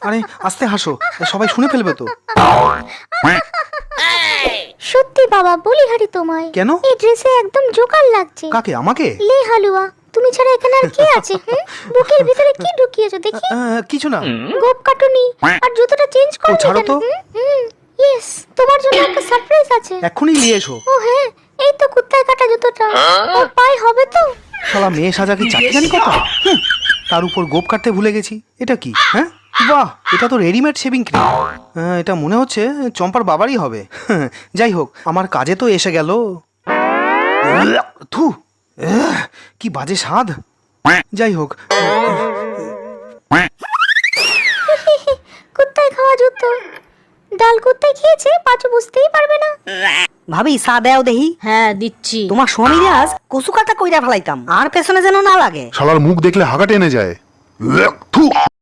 আরে আস্তে হাসো, সবাই শুনে ফেলবে তো। সত্যি বাবা বলিহারি তোমায়। কেন? এই ড্রেসে একদম জোকার লাগছে। কাকে? আমাকে? লে হালুয়া, তুমি ছাড়া এখানে আর কে আছে? বুকের ভিতরে কি ঢুকিয়েছো দেখি? কিছু না। গোপ কাটুনি আর জুতোটা চেঞ্জ করো। ছাড়ো তো। ইয়েস, তোমার জন্য একটা সারপ্রাইজ আছে। এখনই নিয়ে এসো। ও হ্যাঁ, এই তো কুত্তায় কাটা জুতোটা। ওর পায়ে হবে তো? শালা মেয়ে সাজা কি চাকরি জানি কথা। তার উপর গোপ কাটতে ভুলে গেছি। এটা কি? হ্যাঁ, বাহ, এটা তো রেডিমেড শেভিং ক্রিম। এটা মনে হচ্ছে চম্পার বাবারই হবে। যাই হোক, আমার কাজে তো এসে গেল। থু, কি বাজে স্বাদ। যাই হোক, কুত্তায় খাওয়া জুতো। ডাল কুত্তায় খেয়েছে, পাঁচু বুঝতেই পারবে না। ভাবি চা দেও দেহি। হ্যাঁ দিচ্ছি। তোমার স্বামী আজ কচু কাটা কইরা ফেলাইতাম, আর পেছনে যেন না লাগে। শালার মুখ দেখলে হাগা টেনে যায়। থু।